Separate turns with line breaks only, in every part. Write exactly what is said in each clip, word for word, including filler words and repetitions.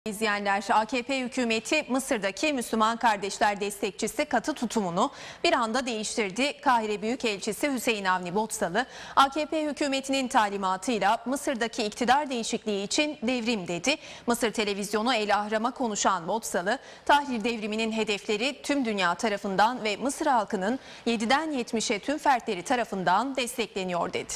İzleyenler, A K P hükümeti Mısır'daki Müslüman kardeşler destekçisi katı tutumunu bir anda değiştirdi. Kahire Büyükelçisi Hüseyin Avni Botsalı, A K P hükümetinin talimatıyla Mısır'daki iktidar değişikliği için devrim dedi. Mısır televizyonu El Ahram'a konuşan Botsalı, Tahrir devriminin hedefleri tüm dünya tarafından ve Mısır halkının yediden yetmişe tüm fertleri tarafından destekleniyor dedi.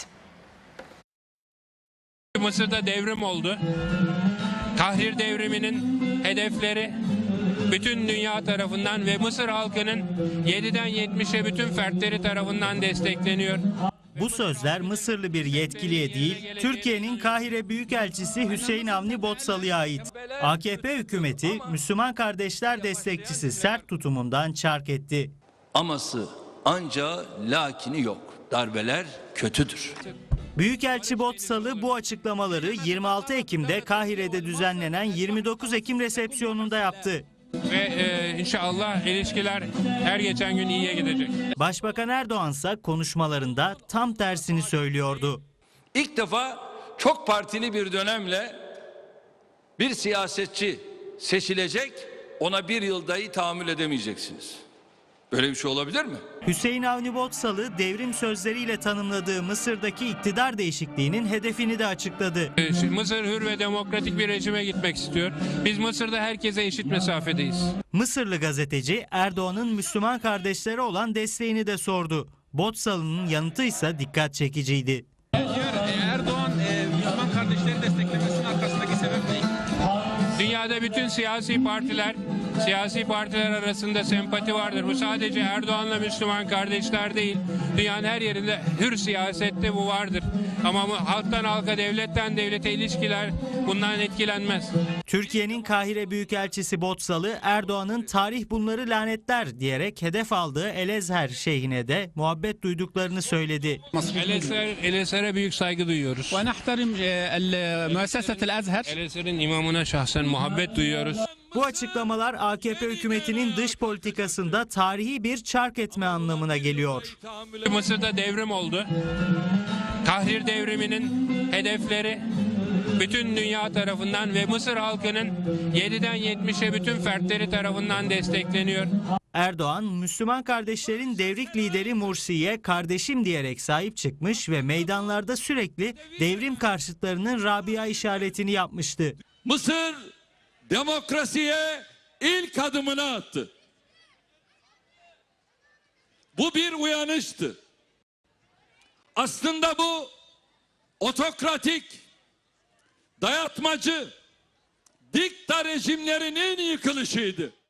Mısır'da devrim oldu. Tahrir devriminin hedefleri bütün dünya tarafından ve Mısır halkının yediden yetmişe bütün fertleri tarafından destekleniyor.
Bu sözler Mısırlı bir yetkiliye değil, Türkiye'nin Kahire Büyükelçisi Hüseyin Avni Botsalı'ya ait. A K P hükümeti Müslüman kardeşler destekçisi sert tutumundan çark etti.
Aması anca lakini yok. Darbeler kötüdür.
Büyükelçi Botsalı bu açıklamaları yirmi altı Ekim'de Kahire'de düzenlenen yirmi dokuz Ekim resepsiyonunda yaptı.
Ve e, inşallah ilişkiler her geçen gün iyiye gidecek.
Başbakan Erdoğan ise konuşmalarında tam tersini söylüyordu.
İlk defa çok partili bir dönemle bir siyasetçi seçilecek, ona bir yıl dahi tahammül edemeyeceksiniz. Böyle bir şey olabilir mi?
Hüseyin Avni Botsalı devrim sözleriyle tanımladığı Mısır'daki iktidar değişikliğinin hedefini de açıkladı.
Şimdi Mısır hür ve demokratik bir rejime gitmek istiyor. Biz Mısır'da herkese eşit mesafedeyiz.
Mısırlı gazeteci Erdoğan'ın Müslüman kardeşlere olan desteğini de sordu. Botsalı'nın yanıtı ise dikkat çekiciydi.
Erdoğan Müslüman kardeşleri desteklemesinin arkasındaki sebep ne?
Dünyada bütün siyasi partiler, siyasi partiler arasında sempati vardır. Bu sadece Erdoğan'la Müslüman kardeşler değil. Dünyanın her yerinde hür siyasette bu vardır. Ama halktan halka, devletten devlete ilişkiler bundan etkilenmez.
Türkiye'nin Kahire Büyükelçisi Botsalı, Erdoğan'ın tarih bunları lanetler diyerek hedef aldığı El-Ezher şeyhine de muhabbet duyduklarını söyledi.
El-Ezher, El-Ezher'e büyük saygı duyuyoruz. El-Ezher'in imamına şahsen muhabbet duyuyoruz.
Bu açıklamalar A K P hükümetinin dış politikasında tarihi bir çark etme anlamına geliyor.
Mısır'da devrim oldu. Tahrir devriminin hedefleri bütün dünya tarafından ve Mısır halkının yediden yetmişe bütün fertleri tarafından destekleniyor.
Erdoğan, Müslüman kardeşlerin devrik lideri Mursi'ye kardeşim diyerek sahip çıkmış ve meydanlarda sürekli devrim karşıtlarının Rabia işaretini yapmıştı.
Mısır demokrasiye ilk adımını attı. Bu bir uyanıştı. Aslında bu otokratik, dayatmacı, dikta rejimlerinin yıkılışıydı.